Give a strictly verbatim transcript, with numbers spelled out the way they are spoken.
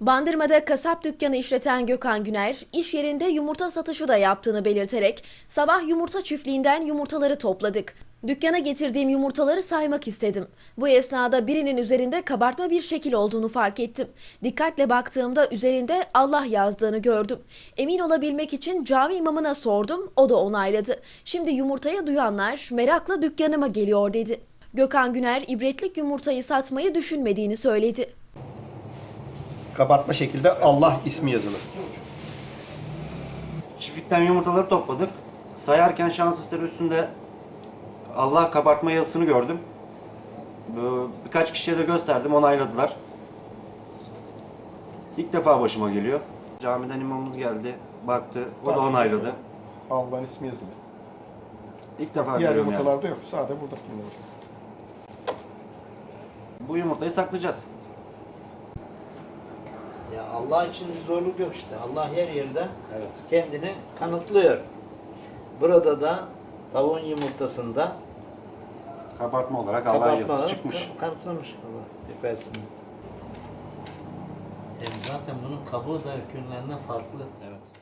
Bandırma'da kasap dükkanı işleten Gökhan Güner, iş yerinde yumurta satışı da yaptığını belirterek, sabah yumurta çiftliğinden yumurtaları topladık. Dükkana getirdiğim yumurtaları saymak istedim. Bu esnada birinin üzerinde kabartma bir şekil olduğunu fark ettim. Dikkatle baktığımda üzerinde Allah yazdığını gördüm. Emin olabilmek için cami imamına sordum, o da onayladı. Şimdi yumurtayı duyanlar merakla dükkanıma geliyor dedi. Gökhan Güner, ibretlik yumurtayı satmayı düşünmediğini söyledi. Kabartma şekilde Allah ismi yazılı. Çiftlikten yumurtaları topladık. Sayarken şans eseri üstünde Allah kabartma yazısını gördüm. Birkaç kişiye de gösterdim, onayladılar. İlk defa başıma geliyor. Camiden imamımız geldi, baktı, o da onayladı. Allah'ın ismi yazılı. İlk defa Diğer görüyorum yani. yumurtalarda yok. Sadece burada. Bu yumurtayı saklayacağız. Ya Allah için bir zorluk yok işte. Allah her yerde kendini kanıtlıyor. Burada da tavuğun yumurtasında Kabartma olarak Allah kabartma yazısı olarak çıkmış. kanıtlamış Allah. Efendim. E zaten bunun kabuğu da ökürlerinden farklı. Evet.